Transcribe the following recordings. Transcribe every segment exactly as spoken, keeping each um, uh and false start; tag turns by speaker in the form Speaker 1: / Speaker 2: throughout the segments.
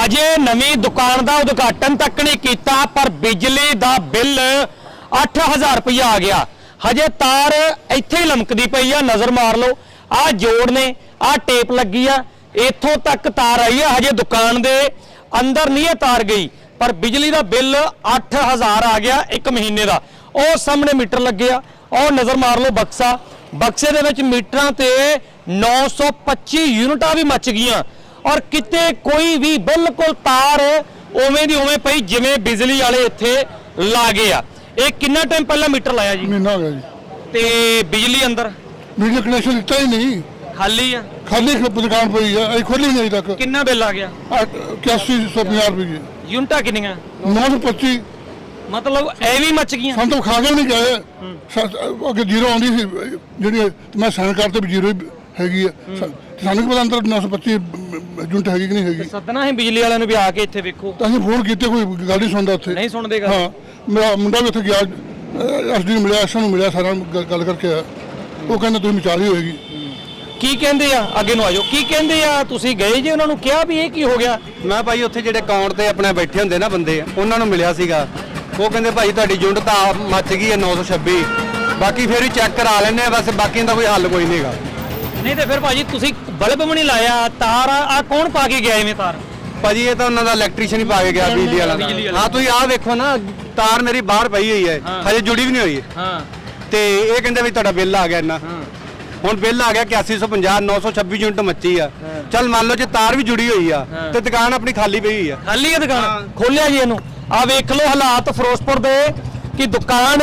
Speaker 1: हजे नवी दुकान का उद्घाटन तक नहीं किया पर बिजली का बिल अठ हज़ार रुपया आ गया। हजे तार इत्थे ही लमकदी पई आ, नज़र मार लो। आ जोड़ ने आ टेप लगी आ, इत्थों तक तार आई है। हजे दुकान दे अंदर नहीं है तार गई पर बिजली का बिल अठ हज़ार आ गया एक महीने का। और सामने मीटर लगे आ, और नज़र मार लो बक्सा, बक्से दे विच मीटरां ते नौ सौ पच्ची यूनिटां भी मच गईयां और किते कोई भी बिल्कुल तार उवें दी उवें पई जिवें बिजली वाले इत्थे ला गए आ। ये कितना टाइम पहला मीटर लाया जी?
Speaker 2: महीना हो गया जी।
Speaker 1: ते बिजली अंदर
Speaker 2: बिजली कनेक्शन दिता ही नहीं,
Speaker 1: खाली है,
Speaker 2: खाली दुकान पई है, अभी खोली नहीं अभी तक।
Speaker 1: कितना बिल आ गया?
Speaker 2: इक्यासी सौ पचास रुपये की
Speaker 1: यूनिटां कितनियां?
Speaker 2: नौ सौ पच्ची।
Speaker 1: मतलब ए भी मच गईयां।
Speaker 2: हम तो खा के नहीं गए, अगे जीरो आती सी जी, मैं साइन करते भी जीरो हैगी है, सानू पता अंदर नौ सौ पच्ची यूनिट हैगी कि नहीं हैगी।
Speaker 1: सदना है बिजली वाले ने भी आके इत्थे देखो।
Speaker 2: तो असं फोन किए, कोई गल नहीं सुनता उत्थे।
Speaker 1: नहीं सुनते गल।
Speaker 2: हाँ, मेरा मुंडा भी उत्थे गया, एस डी मिलिया, एस नूं मिलिया, सारा गल करके आया। वो कहते तुम विचारी होएगी।
Speaker 1: की कहंदे आ? अगे नूं आ जाओ। की कहंदे आ? तुसीं गए जे उन्हां नूं कहा भी ये की हो गया?
Speaker 3: मैं भाई उत्थे जिहड़े अकाउंट ते अपने बैठे हुंदे ना बंदे, उन्हां नूं मिलिया सीगा। वो कहंदे भाई तुहाडी यूनिट तां मच गई है नौ सौ छब्बी, बाकी फिर भी चैक करा लैने, बस बाकी दा कोई हल कोई नहींगा।
Speaker 1: नहीं तो फिर भाजी तुसीं बल्ब भी नहीं लाया, तार आ कौन पा के गया इवें तार?
Speaker 3: भाजी ये तो उन्होंने इलैक्ट्रीशियन ही पा के गया बिजली वाला। हाँ तुम आ देखो ना, तार मेरी बाहर पई हुई है, हजे जुड़ी भी नहीं हुई। तो ये कहते भी तुहाडा बिल आ गया इन्ना, हुण बिल आ गया इक्यासी सौ पचास, नौ सौ छब्बी यूनिट मची आ। चल मान लो जे तार भी जुड़ी हुई आ तो दुकान अपनी खाली पई हुई है।
Speaker 1: खाली है दुकान? खोलिया जी इनू आ वेख लो हालात फिरोजपुर दे कि दुकान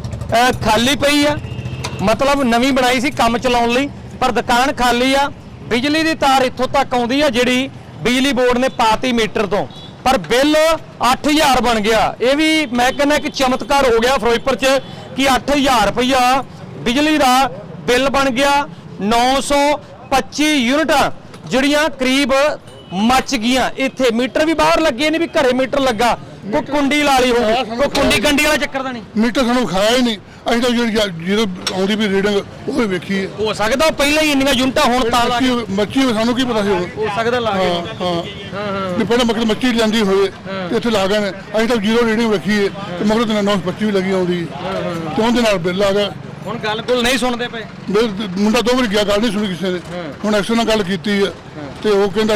Speaker 1: खाली पई आ, मतलब नवीं बनाई सी काम चलाउण लई पर दुकान खाली आ। बिजली की तार इत्थों तक आउंदी आ जिहड़ी बिजली बोर्ड ने पाती मीटर तो, पर बिल अठ हज़ार बन गया। ये भी मैं कहना कि चमत्कार हो गया फिरोजपुर च कि अठ हज़ार रुपया बिजली का बिल बन गया। नौ सौ पच्ची यूनिटां जिहड़ियां करीब मच गईयां। इत्थे मीटर भी बाहर लगे ने, भी घरे मीटर लगा, कोई कुंडी ला ली होगी, कोई कुंडी कंडी वाला चक्कर दा नहीं।
Speaker 2: मीटर सानू खाया ही नहीं, असीं तो जी जीरो आउंदी भी रीडिंग वो भी वेखी है।
Speaker 1: हो सकदा पहले ही इन्नियां यूनिटां हुण तां ला
Speaker 2: मच्छी मच्छी सानू की पता सी
Speaker 1: हो सकदा ला
Speaker 2: हाँ हाँ भी पहले मगर मच्छी लैंदी होवे ते इत्थे ला गए ने, असीं तो जीरो रीडिंग वेखी है ते मगर ते नौ सौ पच्ची भी लगी आउंदी ते उहदे नाल बिल आ गया।
Speaker 1: हुण गल गुल नहीं सुनदे पे।
Speaker 2: मुंडा दो वारी गया, गल नहीं सुनी किसी ने। हुण एक्शन नाल गल कीती है ते वो कहंदा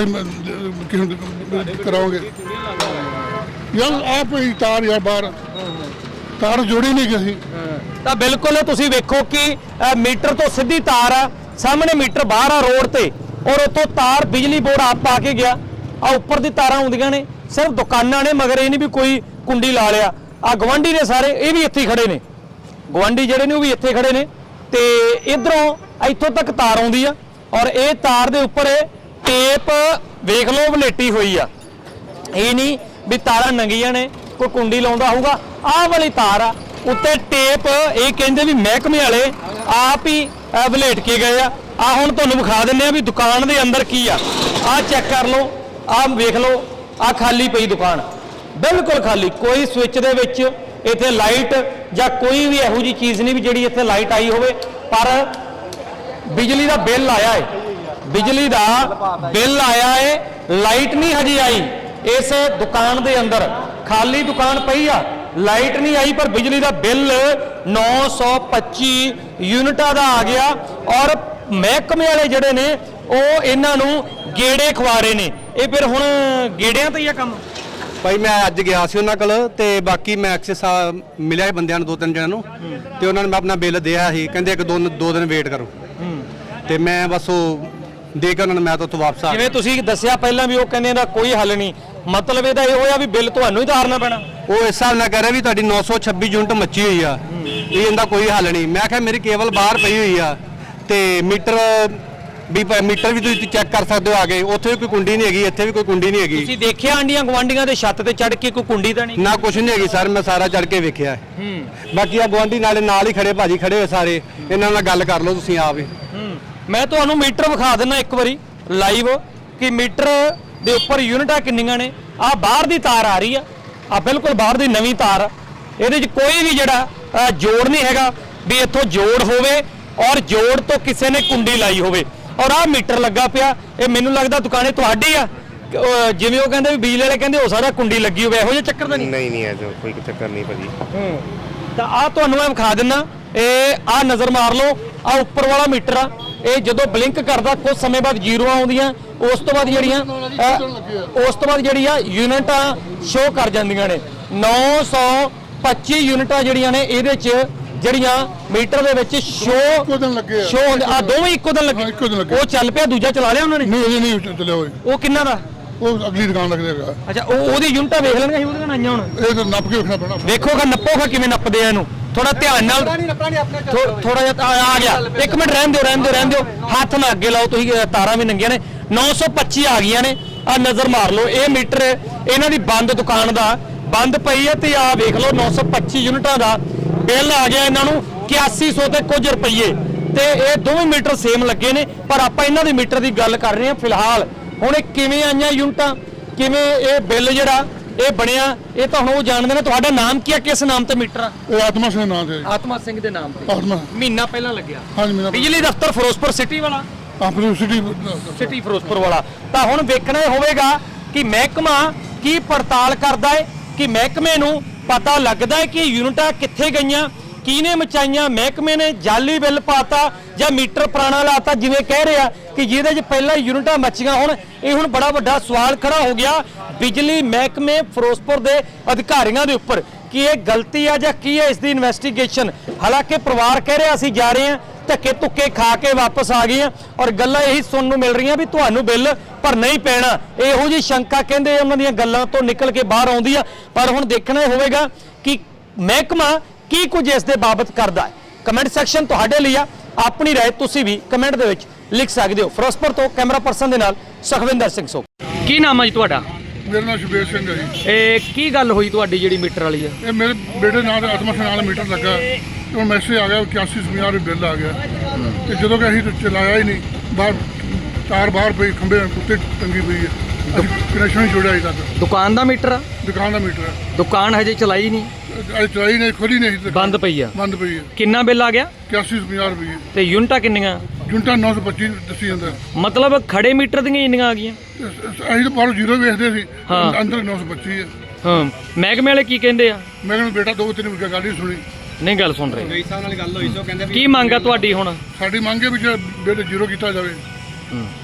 Speaker 2: किस कराओगे यार आप ही तार यार बाहर तार जोड़ी नहीं किसी।
Speaker 1: ਤਾਂ ਬਿਲਕੁਲ ਤੁਸੀਂ ਵੇਖੋ ਕਿ ਮੀਟਰ ਤੋਂ ਸਿੱਧੀ ਤਾਰ ਆ, ਸਾਹਮਣੇ ਮੀਟਰ ਬਾਹਰ ਆ ਰੋਡ ਤੇ, ਔਰ ਉਤੋਂ ਤਾਰ ਬਿਜਲੀ ਬੋਰਡ ਆਪ ਪਾ ਕੇ ਗਿਆ। ਆ ਉੱਪਰ ਦੀ ਤਾਰਾਂ ਆਉਂਦੀਆਂ ਨੇ, ਸਿਰਫ ਦੁਕਾਨਾਂ ਨੇ, ਮਗਰ ਇਹ ਨਹੀਂ ਵੀ ਕੋਈ ਕੁੰਡੀ ਲਾ ਲਿਆ। ਆ ਗਵਾਂਢੀ ਨੇ ਸਾਰੇ, ਇਹ ਵੀ ਇੱਥੇ ਹੀ ਖੜੇ ਨੇ, ਗਵਾਂਢੀ ਜਿਹੜੇ ਨੇ ਉਹ ਵੀ ਇੱਥੇ ਖੜੇ ਨੇ। ਤੇ ਇਧਰੋਂ ਇੱਥੋਂ ਤੱਕ ਤਾਰ ਆਉਂਦੀ ਆ ਔਰ ਇਹ ਤਾਰ ਦੇ ਉੱਪਰ ਟੇਪ ਵੇਖ ਲਓ ਵਲੇਟੀ ਹੋਈ ਆ। ਇਹ ਨਹੀਂ ਵੀ ਤਾਰਾਂ ਨੰਗੀਆਂ ਨੇ, ਕੋਈ ਕੁੰਡੀ ਲਾਉਂਦਾ ਹੋਊਗਾ। ਆਹ ਵਾਲੀ ਤਾਰ ਆ उत्ते टेप, ये कहते भी महकमे वाले आप ही वलेट के गए आ। आ हुण तुहानूं विखा दिंदे आ भी दुकान दे अंदर की आ। आ चेक कर लो, आ वेख लो, आ खाली पई दुकान, बिल्कुल खाली, कोई स्विच दे विच इत्थे लाइट जां कोई भी इहो जी चीज़ नहीं भी जिहड़ी इत्थे लाइट आई होवे। पर बिजली का बिल आया है, बिजली का बिल आया है, लाइट नहीं हजे आई इस दुकान दे अंदर, खाली दुकान पई आ, लाइट नहीं आई पर बिजली का बिल नौ सौ पच्ची यूनिटा का आ गया। और महकमे वाले जड़े ने वो इन्हां नूं गेड़े खवा रहे ने। ये फिर हुण गेड़ियां ते ही आ काम।
Speaker 3: भाई मैं अज गया सी उन्हां कोल ते बाकी मैं एक्सेस मिलिया बंदियां नूं, दो तीन जणियां नूं, ते उन्हां ने मैं अपना बिल दिया ही, कहंदे एक दो दो दिन वेट करो। ते मैं बस वो दे के उन्होंने मैं तो उत्थों वापस आ
Speaker 1: जिवें तुसीं दस्सिया पहलां भी वो कहंदे दा कोई हल नहीं, मतलब ਇਹਦਾ ਇਹ ਹੋਇਆ ਵੀ ਬਿੱਲ ਤੁਹਾਨੂੰ ਹੀ ਤਾਰਨਾ ਪੈਣਾ।
Speaker 3: ਉਹ ਇਸ ਹਿਸਾਬ ਨਾਲ ਕਹਿ ਰਿਹਾ ਵੀ ਤੁਹਾਡੀ नौ सौ छब्बी ਯੂਨਿਟ ਮੱਚੀ ਹੋਈ ਆ, ਇਹ ਇਹਦਾ ਕੋਈ ਹੱਲ ਨਹੀਂ। ਮੈਂ ਕਿਹਾ ਮੇਰੀ ਕੇਬਲ ਬਾਹਰ ਪਈ ਹੋਈ ਆ ਤੇ ਮੀਟਰ ਵੀ ਮੀਟਰ ਵੀ ਤੁਸੀਂ ਚੈੱਕ ਕਰ ਸਕਦੇ ਹੋ, ਆ ਗਏ ਉੱਥੇ ਵੀ ਕੋਈ ਕੁੰਡੀ ਨਹੀਂ ਹੈਗੀ, ਇੱਥੇ ਵੀ ਕੋਈ ਕੁੰਡੀ ਨਹੀਂ ਹੈਗੀ।
Speaker 1: ਤੁਸੀਂ ਦੇਖਿਆ ਆਂਡੀਆਂ ਗਵਾਂਡੀਆਂ ਦੇ ਛੱਤ ਤੇ ਚੜ੍ਹ ਕੇ ਕੋਈ ਕੁੰਡੀ ਤਾਂ ਨਹੀਂ?
Speaker 3: ਨਾ ਕੁਛ ਨਹੀਂ ਹੈਗੀ ਸਰ, ਮੈਂ ਸਾਰਾ ਚੜ੍ਹ ਕੇ ਵੇਖਿਆ। ਬਾਕੀ ਆ ਗਵਾਂਢੀ ਨਾਲੇ ਨਾਲ ਹੀ ਖੜੇ ਭਾਜੀ ਖੜੇ ਹੋਏ ਸਾਰੇ, ਇਹਨਾਂ ਨਾਲ ਗੱਲ ਕਰ ਲਓ ਤੁਸੀਂ ਆਪ ਹੀ।
Speaker 1: ਮੈਂ ਤੁਹਾਨੂੰ ਮੀਟਰ ਵਿਖਾ ਦਿੰਦਾ ਇੱਕ ਵਾਰੀ ਲਾਈਵ कि मीटर ਦੇ ਉੱਪਰ ਯੂਨਿਟਾਂ ਕਿੰਨੀਆਂ ਨੇ। ਆ ਬਾਹਰ ਦੀ ਤਾਰ ਆ ਰਹੀ ਆ, ਆ ਬਿਲਕੁਲ ਬਾਹਰ ਦੀ ਨਵੀਂ ਤਾਰ, ਇਹਦੇ ਵਿੱਚ ਕੋਈ ਵੀ ਜਿਹੜਾ ਜੋੜ ਨਹੀਂ ਹੈਗਾ ਵੀ ਇੱਥੋਂ ਜੋੜ ਹੋਵੇ ਔਰ ਜੋੜ ਤੋਂ ਕਿਸੇ ਨੇ ਕੁੰਡੀ ਲਾਈ ਹੋਵੇ। ਔਰ ਆ ਮੀਟਰ ਲੱਗਾ ਪਿਆ, ਇਹ ਮੈਨੂੰ ਲੱਗਦਾ ਦੁਕਾਨੇ ਤੁਹਾਡੀ ਆ ਅਹ, ਜਿਵੇਂ ਉਹ ਕਹਿੰਦੇ ਵੀ ਬਿਜਲੀ ਵਾਲੇ ਕਹਿੰਦੇ ਹੋ ਸਕਦਾ ਕੁੰਡੀ ਲੱਗੀ ਹੋਵੇ, ਇਹੋ ਜਿਹਾ ਚੱਕਰ ਤਾਂ ਨਹੀਂ?
Speaker 4: ਨਹੀਂ ਨਹੀਂ ਐ ਕੋਈ ਚੱਕਰ ਨਹੀਂ ਭਾਜੀ।
Speaker 1: ਹੂੰ ਤਾਂ ਆ ਤੁਹਾਨੂੰ ਮੈਂ ਵਿਖਾ ਦਿੰਨਾ, ਇਹ ਆ ਨਜ਼ਰ ਮਾਰ ਲਓ, ਆ ਉੱਪਰ ਵਾਲਾ ਮੀਟਰ ਆ, ਇਹ ਜਦੋਂ ਬਲਿੰਕ ਕਰਦਾ ਕੁਝ ਸਮੇਂ ਬਾਅਦ ਜ਼ੀਰੋਆਂ ਆਉਂਦੀਆਂ, ਉਸ ਤੋਂ ਬਾਅਦ ਜਿਹੜੀਆਂ ਅਹ, ਉਸ ਤੋਂ ਬਾਅਦ ਜਿਹੜੀ ਆ ਯੂਨਿਟਾਂ ਸ਼ੋ ਕਰ ਜਾਂਦੀਆਂ ਨੇ। ਨੌ ਸੌ ਪੱਚੀ ਯੂਨਿਟਾਂ ਜਿਹੜੀਆਂ ਨੇ ਇਹਦੇ 'ਚ ਜਿਹੜੀਆਂ ਮੀਟਰ ਦੇ ਵਿੱਚ ਸ਼ੋ
Speaker 2: ਇੱਕੋ ਦਿਨ ਲੱਗੇ ਆ।
Speaker 1: ਸ਼ੋ ਹੁੰਦੇ ਆ, ਦੋਵੇਂ ਇੱਕੋ ਦਿਨ ਲੱਗੇ।
Speaker 2: ਹਾਂ, ਇੱਕੋ ਦਿਨ ਲੱਗੇ।
Speaker 1: ਉਹ ਚੱਲ ਪਿਆ, ਦੂਜਾ ਚਲਾ ਲਿਆ ਉਹਨਾਂ ਨੇ?
Speaker 2: ਨਹੀਂ ਅਜੇ ਨਹੀਂ ਚੱਲਿਆ ਹੋਏ,
Speaker 1: ਉਹ ਕਿੰਨਾ ਦਾ?
Speaker 2: ਉਹ ਅਗਲੀ ਦੁਕਾਨ ਲੱਗਦੇ ਹੈਗਾ।
Speaker 1: ਅੱਛਾ, ਉਹ ਉਹਦੀ ਯੂਨਿਟਾਂ ਵੇਖ ਲੈਣਗੇ, ਅਸੀਂ ਉਹਦੀਆਂ ਆਈਆਂ ਹੁਣ
Speaker 2: ਇਹ ਤਾਂ ਨੱਪ ਕੇ ਰੱਖਣਾ ਪੈਣਾ।
Speaker 1: ਵੇਖੋਗਾ, ਨੱਪੋਗਾ ਕਿਵੇਂ ਨੱਪਦੇ ਆ ਇਹਨੂੰ, ਥੋੜਾ ਧਿਆਨ ਨਾਲ। ਥੋੜਾ ਜਿਹਾ ਆ ਆ ਗਿਆ, ਇੱਕ ਮਿੰਟ ਰਹਿਣ ਦਿਓ ਰਹਿਣ ਦਿਓ ਰਹਿਣ ਦਿਓ, ਹੱਥ ਨਾ ਅੱਗੇ ਲਾਓ ਤੁਸੀਂ, ਅ, ਤਾਰਾਂ ਵੀ ਨੰਗੀਆਂ ਨੇ। ਨੌ ਸੌ ਪੱਚੀ ਆ ਗਈਆਂ ਨੇ, ਆ ਨਜ਼ਰ ਮਾਰ ਲਓ, ਇਹ ਮੀਟਰ ਇਹਨਾਂ ਦੀ ਬੰਦ ਦੁਕਾਨ ਦਾ ਬੰਦ ਪਈ ਹੈ ਤੇ ਆ ਵੇਖ ਲਓ ਨੌ ਸੌ ਪੱਚੀ ਯੂਨਿਟਾਂ ਦਾ ਬਿੱਲ ਆ ਗਿਆ ਇਹਨਾਂ ਨੂੰ ਇਕਿਆਸੀ ਸੌ ਤੇ ਕੁਝ ਰੁਪਏ, ਤੇ ਇਹ ਦੋਵੇਂ ਮੀਟਰ ਸੇਮ ਲੱਗੇ ਨੇ। ਪਰ ਆਪਾਂ ਇਹਨਾਂ ਦੇ ਮੀਟਰ ਦੀ ਗੱਲ ਕਰ ਰਹੇ ਹਾਂ ਫਿਲਹਾਲ। ਹੁਣ ਇਹ ਕਿਵੇਂ ਆਈਆਂ ਯੂਨਿਟਾਂ, ਕਿਵੇਂ ਇਹ ਬਿੱਲ ਜਿਹੜਾ ਇਹ ਬਣਿਆ, ਇਹ ਤਾਂ ਹੁਣ ਉਹ ਜਾਣਦੇ ਨੇ। ਤੁਹਾਡਾ ਨਾਮ ਕੀ ਹੈ, ਕਿਸ ਨਾਮ ਤੇ ਮੀਟਰ ਆ?
Speaker 2: ਇਹ ਆਤਮਾ ਸਿੰਘ ਨਾਂ ਤੇ।
Speaker 1: ਆਤਮਾ ਸਿੰਘ ਦੇ ਨਾਮ ਤੇ
Speaker 2: ਆਤਮਾ
Speaker 1: ਮਹੀਨਾ ਪਹਿਲਾਂ ਲੱਗਿਆ।
Speaker 2: ਹਾਂਜੀ ਮੇਰਾ
Speaker 1: ਬਿਜਲੀ ਦਫ਼ਤਰ ਫਿਰੋਜ਼ਪੁਰ ਸਿਟੀ ਵਾਲਾ,
Speaker 2: ਆਪਣੀ ਸਿਟੀ
Speaker 1: ਸਿਟੀ ਫਿਰੋਜ਼ਪੁਰ ਵਾਲਾ। ਤਾਂ ਹੁਣ ਵੇਖਣਾ ਇਹ ਹੋਵੇਗਾ ਕਿ ਮਹਿਕਮਾ ਕੀ ਪੜਤਾਲ ਕਰਦਾ ਹੈ, ਕਿ ਮਹਿਕਮੇ ਨੂੰ ਪਤਾ ਲੱਗਦਾ ਹੈ ਕਿ ਯੂਨਿਟਾਂ ਕਿੱਥੇ ਗਈਆਂ, ਕਿਹਨੇ ਮਚਾਈਆਂ, ਮਹਿਕਮੇ ਨੇ ਜਾਲੀ ਬਿੱਲ ਪਾਤਾ ਜਾਂ ਮੀਟਰ ਪੁਰਾਣਾ ਲਾਤਾ, ਜਿਵੇਂ ਕਹਿ ਰਿਹਾ ਕਿ ਜਿਹਦੇ 'ਚ ਪਹਿਲਾਂ ਯੂਨਿਟਾਂ ਮੱਚੀਆਂ। ਹੁਣ ਇਹ ਹੁਣ ਬੜਾ ਵੱਡਾ ਸਵਾਲ ਖੜਾ ਹੋ ਗਿਆ ਬਿਜਲੀ ਮਹਿਕਮੇ ਫਿਰੋਜ਼ਪੁਰ ਦੇ ਅਧਿਕਾਰੀਆਂ ਦੇ ਉੱਪਰ ਕਿ ਇਹ ਗਲਤੀ ਆ ਜਾਂ ਕੀ ਹੈ ਇਸ ਦੀ ਇਨਵੈਸਟੀਗੇਸ਼ਨ। ਹਾਲਾਂਕਿ ਪਰਿਵਾਰ ਕਹਿ ਰਿਹਾ ਅਸੀਂ ਜਾ ਰਹੇ ਹਾਂ, ਧੱਕੇ ਧੁੱਕੇ ਖਾ ਕੇ ਵਾਪਸ ਆ ਗਏ ਆ, ਔਰ ਗੱਲਾਂ ਇਹੀ ਸੁਣਨ ਨੂੰ ਮਿਲ ਰਹੀਆਂ ਵੀ ਤੁਹਾਨੂੰ ਬਿੱਲ ਭਰਨਾ ਹੀ ਪੈਣਾ। ਇਹੋ ਜਿਹੀ ਸ਼ੰਕਾ ਕਹਿੰਦੇ ਉਹਨਾਂ ਦੀਆਂ ਗੱਲਾਂ ਤੋਂ ਨਿਕਲ ਕੇ ਬਾਹਰ ਆਉਂਦੀ ਆ। ਪਰ ਹੁਣ ਦੇਖਣਾ ਇਹ ਹੋਵੇਗਾ ਕਿ ਮਹਿਕਮਾ ਕੀ ਕੁਝ ਇਸ ਦੇ ਬਾਬਤ ਕਰਦਾ ਹੈ। ਕਮੈਂਟ ਸੈਕਸ਼ਨ ਤੁਹਾਡੇ ਲਈ ਆ, ਆਪਣੀ ਰਾਏ ਤੁਸੀਂ ਵੀ ਕਮੈਂਟ ਦੇ ਵਿੱਚ ਲਿਖ ਸਕਦੇ ਹੋ। ਫਿਰੋਜ਼ਪੁਰ ਤੋਂ ਕੈਮਰਾ ਪਰਸਨ ਦੇ ਨਾਲ ਸੁਖਵਿੰਦਰ ਸਿੰਘ ਸੋਖ। ਕੀ ਨਾਮ ਹੈ ਜੀ ਤੁਹਾਡਾ?
Speaker 2: ਮੇਰਾ ਨਾਮ ਸ਼ਬੀਰ ਸਿੰਘ ਹੈ ਜੀ।
Speaker 1: ਇਹ ਕੀ ਗੱਲ ਹੋਈ ਤੁਹਾਡੀ ਜਿਹੜੀ ਮੀਟਰ ਵਾਲੀ ਹੈ?
Speaker 2: ਇਹ ਮੇਰੇ ਬੇਟੇ ਨਾਲ ਦੇ ਆਤਮਾ ਸਿੰਘ ਨਾਲ ਮੀਟਰ ਲੱਗਾ, ਤੇ ਉਹ ਮੈਸੇਜ ਆ ਗਿਆ ਇਕਿਆਸੀ ਸੌ ਪੰਜਾਹ ਰੁਪਏ ਬਿੱਲ ਆ ਗਿਆ। ਤੇ ਜਦੋਂ ਕਿ ਅਸੀਂ ਤਾਂ ਚਲਾਇਆ ਹੀ ਨਹੀਂ, ਬਾਹਰ ਤਾਰ ਬਾਹਰ ਪਈ, ਖੰਭੇ ਉੱਤੇ ਟੰਗੀ ਪਈ ਹੈ, ਅਸੀਂ ਕਨੈਕਸ਼ਨ ਨਹੀਂ ਛੋੜਿਆ ਅਜੇ ਤੱਕ।
Speaker 1: ਦੁਕਾਨ ਦਾ ਮੀਟਰ ਆ?
Speaker 2: ਦੁਕਾਨ ਦਾ ਮੀਟਰ ਹੈ,
Speaker 1: ਦੁਕਾਨ ਹਜੇ ਚਲਾਈ ਨਹੀਂ,
Speaker 2: ਅੱਜ ਚਲਾਈ ਨਹੀਂ, ਖੋਲੀ ਨਹੀਂ, ਅਜੇ ਤੱਕ
Speaker 1: ਬੰਦ ਪਈ ਆ।
Speaker 2: ਬੰਦ ਪਈ ਹੈ।
Speaker 1: ਕਿੰਨਾ ਬਿੱਲ ਆ ਗਿਆ?
Speaker 2: ਇਕਿਆਸੀ ਸੌ ਪੰਜਾਹ ਰੁਪਏ
Speaker 1: ਤੇ ਯੂਨਿਟਾਂ ਕਿੰਨੀਆਂ?
Speaker 2: ਯੂਨਿਟਾਂ ਨੌ ਸੌ ਪੱਚੀ ਦੱਸੀ ਜਾਂਦਾ।
Speaker 1: ਮਤਲਬ ਖੜੇ ਮੀਟਰ ਦੀਆਂ ਇੰਨੀਆਂ ਆ ਗਈਆਂ?
Speaker 2: ਅਸੀਂ ਤਾਂ ਬਾਹਰੋਂ ਜ਼ੀਰੋ ਵੇਖਦੇ ਸੀ,
Speaker 1: ਹਾਂ।
Speaker 2: ਅੰਦਰ ਨੌ ਸੌ ਪੱਚੀ ਹੈ।
Speaker 1: ਹਾਂ, ਮਹਿਕਮੇ ਵਾਲੇ ਕੀ ਕਹਿੰਦੇ ਆ?
Speaker 2: ਮੈਂ ਕਹਿੰਦਾ ਬੇਟਾ ਦੋ ਤਿੰਨ ਮਿੰਟ ਗੱਲ ਨਹੀਂ ਸੁਣੀ।
Speaker 1: ਨਹੀਂ ਗੱਲ ਸੁਣ ਰਹੇ।
Speaker 3: ਕਈ ਸਾਲ ਨਾਲ ਗੱਲ ਹੋਈ ਸੋ ਕਹਿੰਦੇ
Speaker 1: ਕੀ ਮੰਗ ਆ ਤੁਹਾਡੀ ਹੁਣ?
Speaker 2: ਸਾਡੀ ਮੰਗ ਹੈ ਵੀ ਜਿਹੜਾ ਬਿੱਲ ਜ਼ੀਰੋ ਕੀਤਾ ਜਾਵੇ।
Speaker 1: ਹੂੰ।